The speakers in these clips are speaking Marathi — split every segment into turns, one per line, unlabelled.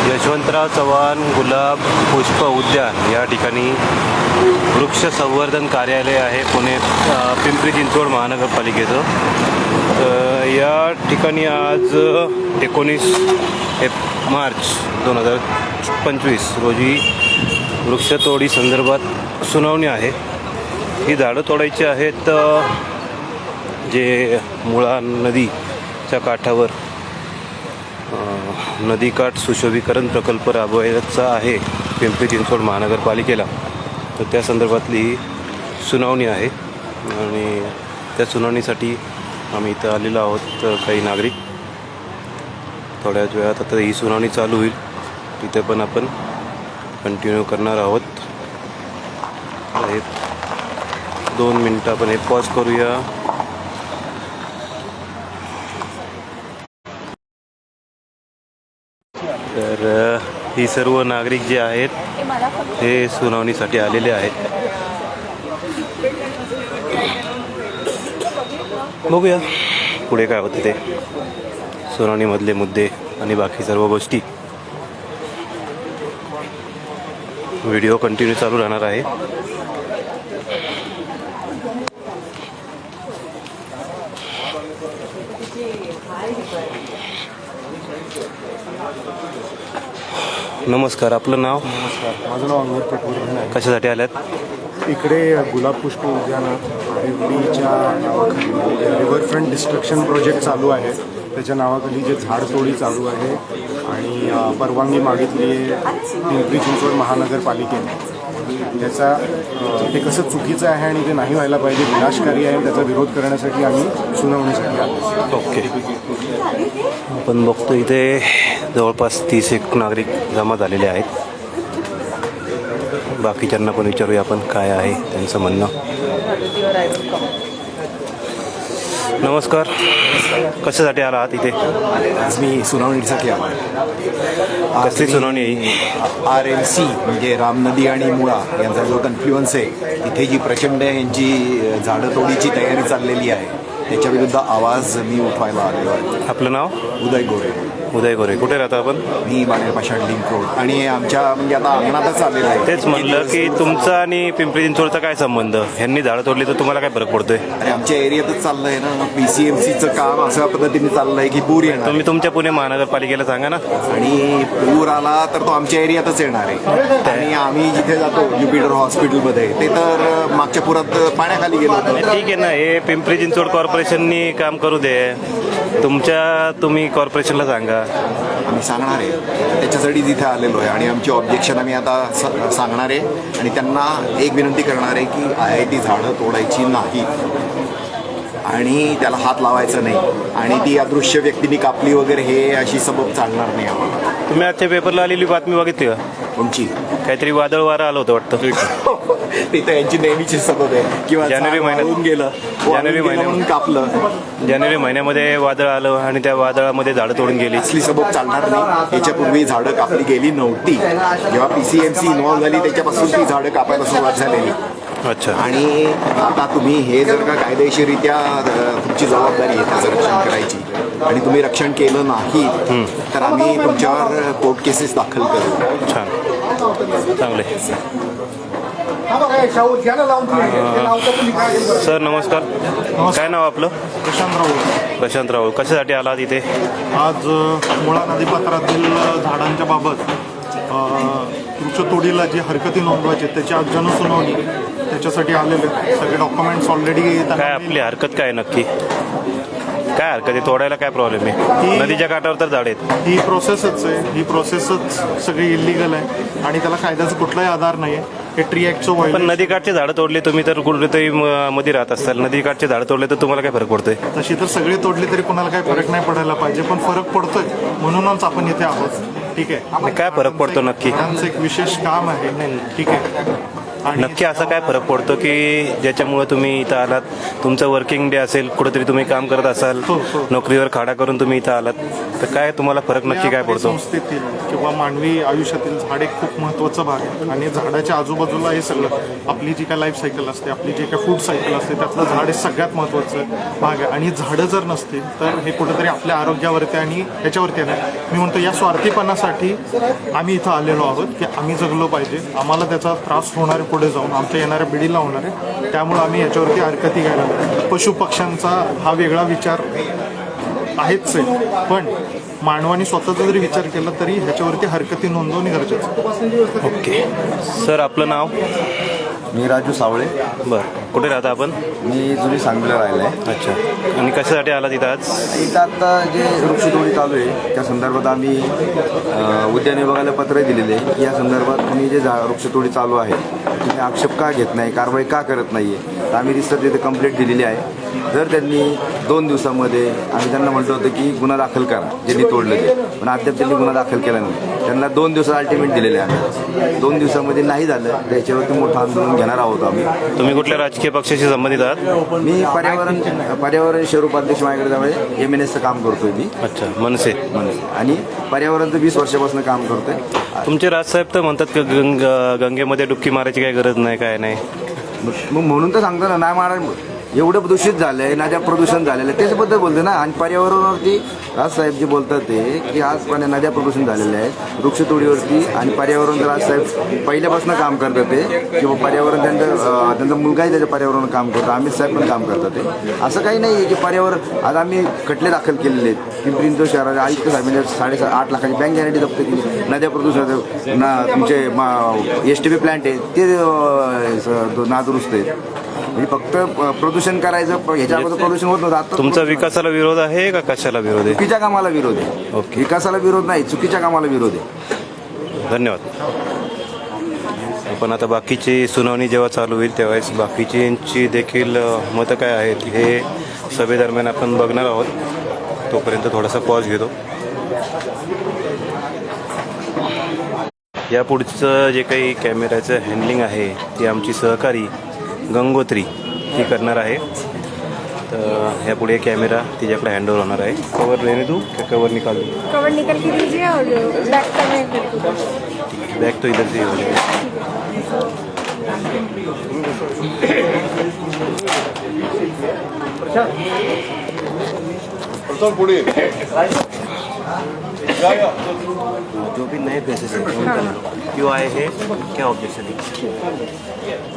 यशवंतराव चव्हाण गुलाब पुष्प उद्यान या ठिकाणी वृक्ष संवर्धन कार्यालय आहे पुणे पिंपरी चिंचवड महानगरपालिकेचं. या ठिकाणी आज 19 मार्च 2025 रोजी वृक्षतोडी संदर्भात सुनावणी आहे. ही झाडं तोडायची आहेत जे मुळा नदीच्या काठावर नदीकाठ सुशोभीकरण प्रकल्प राबवायचा आहे पिंपरी चिंचवड महानगरपालिकेला. तर त्या संदर्भातली सुनावणी आहे आणि त्या सुनावणीसाठी आम्ही इथं आलेलो आहोत. काही नागरिक थोड्याच वेळात आता ही सुनावणी चालू होईल, तिथे पण आपण कंटिन्यू करणार आहोत. 2 मिनटं आपण हे पॉज करूया. तर ही सर्व नागरिक जे आहेत हे सुनावणीसाठी आलेले आहेत. बघूया पुढे काय होते ते सुनावणीमधले मुद्दे आणि बाकी सर्व गोष्टी. व्हिडिओ कंटिन्यू चालू राहणार आहे. नमस्कार, आपलं नाव?
नमस्कार, माझं नाव अंगद पटवर्धन आहे.
कशासाठी आल्यात?
इकडे गुलाब पुष्प उद्यानात पिंपरीच्या नावाखाली रिव्हरफ्रंट डिस्ट्रक्शन प्रोजेक्ट चालू आहे. त्याच्या नावाखाली जे झाडतोडी चालू आहे आणि परवानगी मागितली आहे पिंपरी चिंचवड महानगरपालिकेने. त्याचा ते कसं चुकीचं आहे आणि ते नाही व्हायला पाहिजे, विनाशकारी आहे, त्याचा विरोध करण्यासाठी आम्ही सुनावणीसाठी आलो.
ओके, आपण बघतो इथे जवळपास 30 नागरिक जमा झालेले आहेत. बाकीच्यांना पण विचारूया आपण काय आहे त्यांचं म्हणणं. नमस्कार, कशासाठी आला आहात इथे?
आज मी सुनावणीसाठी आलो.
कसली सुनावणी आहे?
RMC म्हणजे राम नदी आणि मुळा यांचा जो कन्फ्लुअन्स आहे, इथे जी प्रचंड यांची झाडं तोडीची तयारी चाललेली आहे, त्याच्याविरुद्ध आवाज मी उठवायला आलेलो आहे.
आपलं नाव?
उदय गोरे.
उदय गोरे. कुठे राहता आपण?
मी बाणेरपाषाण लिंक रोड आणि आमच्या म्हणजे आता अंगणातच आलेलं आहे.
तेच म्हणलं की तुमचा आणि पिंपरी चिंचवडचा काय संबंध? ह्यांनी झाडं तोडली तर तुम्हाला काय फरक पडतोय?
आणि आमच्या एरियातच चाललं आहे ना, PCMCचं काम अशा पद्धतीने चाललं आहे की पूर येणार.
तुम्ही तुमच्या पुणे महानगरपालिकेला सांगा ना.
आणि पूर आला तर तो आमच्या एरियातच येणार आहे. आणि आम्ही जिथे जातो ज्युपिटर हॉस्पिटलमध्ये, ते तर मागच्या पुरात पाण्याखाली गेलो होतो.
ठीक आहे ना, हे पिंपरी चिंचवड कॉर्पोरेशननी काम करू दे. तुम्ही कॉर्पोरेशनला सांगा.
आम्ही सांगणार आहे, त्याच्यासाठी जिथे आलेलो आहे आणि आमची ऑब्जेक्शन आम्ही आता सांगणार आहे आणि त्यांना एक विनंती करणार आहे की IIT झाडं तोडायची नाही आणि त्याला हात लावायचा नाही आणि ती अदृश्य व्यक्तीने कापली वगैरे हे अशी सबब चालणार नाही आम्हाला.
तुम्ही आजच्या पेपरला आलेली बातमी बघितली का?
कोणची?
काहीतरी वादळ वारा आलं होतं वाटतं.
ते तर यांची नेहमीची सबब आहे किंवा
जानेवारी महिन्यात
गेलं, म्हणून कापलं.
जानेवारी महिन्यामध्ये वादळ आलं आणि त्या वादळामध्ये झाडं तोडून गेली.
असली सबब चालणार नाही. याच्यापूर्वी झाडं कापली गेली नव्हती. जेव्हा PCMC इन्व्हॉल्व झाली त्याच्यापासून ती झाडं कापायला सुरुवात झालेली.
अच्छा.
आणि आता तुम्ही हे जर का कायदेशीरित्या तुमची जबाबदारी आहे त्याचं रक्षण करायची आणि तुम्ही रक्षण केलं नाही तर आम्ही तुमच्यावर कोर्ट केसेस दाखल करू.
छान, चांगले. सर नमस्कार, काय नाव आपलं?
प्रशांत राऊत.
प्रशांत राऊळ. कशासाठी आलात इथे?
आज मुळा नदीपात्रातील झाडांच्या बाबत वृक्षतोडीला जी हरकती नोंदवायची त्याची आज जनसुनावणी, त्याच्यासाठी आलेले सगळे डॉक्युमेंट्स ऑलरेडी.
काय आपली हरकत काय नक्की? काय हरकत आहे? तोडायला काय प्रॉब्लेम आहे? नदीच्या काठावर तर झाड आहेत.
ही प्रोसेसच आहे, ही प्रोसेसच सगळी इलिगल आहे आणि त्याला कायद्याचा कुठलाही आधार नाही आहे. हे ट्री ॲक्टचं
पण
व्हायलेशन.
नदीकाठचे झाडं तोडले तुम्ही तर कुठेतरी मध्ये राहत असाल, नदीकाठचे झाडं तोडले तर तुम्हाला काय फरक पडतोय?
तशी तर सगळे तोडले तरी कोणाला काही फरक नाही पडायला पाहिजे, पण फरक पडतोय म्हणूनच आपण इथे आहोत. ठीक आहे,
काय फरक पडतो नक्की?
त्यांचं एक विशेष काम आहे. ठीक आहे,
नक्की असा काय फरक पडतो की ज्याच्यामुळे तुम्ही इथं आलात, तुमचं वर्किंग डे असेल, कुठेतरी तुम्ही काम करत असाल, नोकरीवर खाडा करून तुम्ही इथं आलात, तर काय तुम्हाला फरक नक्की काय
आपल्या
पडतो?
संस्थेतील किंवा मानवी आयुष्यातील झाड एक खूप महत्त्वाचा भाग आहे आणि झाडाच्या आजूबाजूला हे सगळं आपली जी काय लाईफ सायकल असते, आपली जी काय फूड सायकल असते, त्यातलं झाड हे सगळ्यात महत्त्वाचं भाग आहे. आणि झाडं जर नसतील तर हे कुठेतरी आपल्या आरोग्यावरती आणि ह्याच्यावरती येणार. मी म्हणतो या स्वार्थीपणासाठी आम्ही इथं आलेलो आहोत की आम्ही जगलो पाहिजे, आम्हाला त्याचा त्रास होणार आहे पुढे जाऊन, आमच्या येणाऱ्या पिढीला होणार आहे, त्यामुळं आम्ही याच्यावरती हरकती घ्यायला लागलो. पशुपक्ष्यांचा हा वेगळा विचार आहेच आहे, पण मानवाने स्वतःचा जरी विचार केला तरी ह्याच्यावरती हरकती नोंदवणे गरजेचं.
ओके सर, आपलं नाव?
मी राजू सावळे.
बरं, कुठे राहता आपण?
मी जुनी सांगलीला राहिला आहे.
अच्छा, आणि कशासाठी आला तिथं आज?
इथं आत्ता जे वृक्षतोडी चालू आहे त्या संदर्भात आम्ही उद्यान विभागाला पत्र दिलेले आहे की या संदर्भात तुम्ही जे वृक्षतोडी चालू आहे तुम्ही आक्षेप का घेत नाही, कारवाई का करत नाही आहे. तर आम्ही रिसर्च इथे कंप्लेंट दिलेली आहे. जर त्यांनी 2 दिवसामध्ये, आम्ही त्यांना म्हटलं होतं की गुन्हा दाखल करा ज्यांनी तोडलं ते, पण अद्याप त्यांनी गुन्हा दाखल केला नाही. त्यांना 2 दिवसात अल्टिमेट दिलेले आहे आम्ही. 2 दिवसामध्ये नाही झालं तर याच्यावरती मोठं आंदोलन घेणार आहोत आम्ही.
तुम्ही कुठल्या राजकीय पक्षाशी संबंधित आहात?
मी पर्यावरण स्वरूप अध्यक्ष माझ्याकडे त्यामुळे MNSचं काम करतोय मी.
अच्छा, मनसे.
आणि पर्यावरणचं 20 वर्षापासून काम करतोय.
तुमचे राजसाहेब तर म्हणतात की गंगेमध्ये डुबकी मारायची काही गरज नाही, काय नाही.
मग म्हणून तर सांगतो ना, नाही महाराज एवढं दूषित झालं आहे, नद्या प्रदूषण झालेलं आहे त्याच्याबद्दल बोलते ना. आणि पर्यावरणावरती राजसाहेब जे बोलतात ते की आज पण नद्या प्रदूषण झालेल्या आहेत, वृक्षतोडीवरती आणि पर्यावरण राजसाहेब पहिल्यापासून काम करतात ते, किंवा पर्यावरण त्यांचा मुलगाही त्याच्या पर्यावरण काम करतो, अमित साहेब पण काम करतात ते. असं काही नाही आहे की पर्यावरण. आज आम्ही खटले दाखल केलेले आहेत पिंपरी चिंचवड शहराच्या आयुक्त साहेबांनी 8.5 लाखाची बँक गॅरंटी जप्त केली. नद्या प्रदूषण तुमचे STP प्लांट आहे ते नादुरुस्त आहेत. म्हणजे फक्त प्रदूषण करायचं, ह्याच्या अगोदर प्रदूषण होत नव्हतं. आता
तुमचा विकासाला विरोध आहे का कशाला विरोध आहे?
चुकीच्या कामाला विरोध आहे.
ओके.
विकासाला विरोध नाही, चुकीच्या कामाला विरोध आहे.
धन्यवाद. पण आता बाकीची सुनावणी जेव्हा चालू होईल तेव्हाच बाकीच्यांची देखील मतं काय आहेत हे सभेदरम्यान आपण बघणार आहोत. तोपर्यंत थोडासा पॉज घेतो. या पुढचं जे काही कॅमेऱ्याचं हँडलिंग आहे ती आमची सहकारी गंगोत्री ती करणार आहे. तर ह्यापुढे कॅमेरा तिच्याकडे हँडओव्हर होणार आहे. कवर लेने दूँ क्या कवर निकाल दूँ?
कवर निकल के दीजिए और बैक करने को
बैग तो इधर से ही हो जाएगा. जो भी नए केसेस हैं उनका क्यों आए हैं, क्या ऑब्जेक्शन है?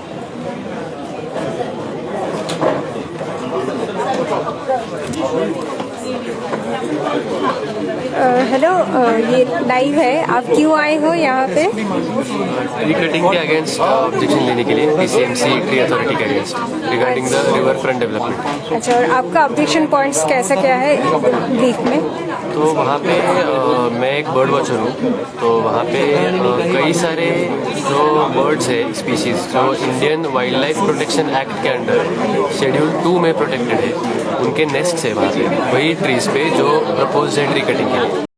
हेलो, ये लाइव है, आप क्यों आए हो यहाँ पे?
ट्री कटिंग के अगेंस्ट ऑब्जेक्शन लेने के लिए PCMC ट्री अथॉरिटी के against regarding the river front development.
अच्छा, और आपका ऑब्जेक्शन पॉइंट्स कैसा क्या है ब्रीफ में?
तो वहाँ पे मैं एक बर्ड वॉचर हूँ, तो वहाँ पे कई सारे जो बर्ड्स है स्पीशीज़ जो Indian wildlife protection act के अंडर शेड्यूल 2 में प्रोटेक्टेड है, उनके नेस्ट्स है वहाँ पे वही ट्रीज़ पे जो प्रपोज है ट्री कटिंग के लिए.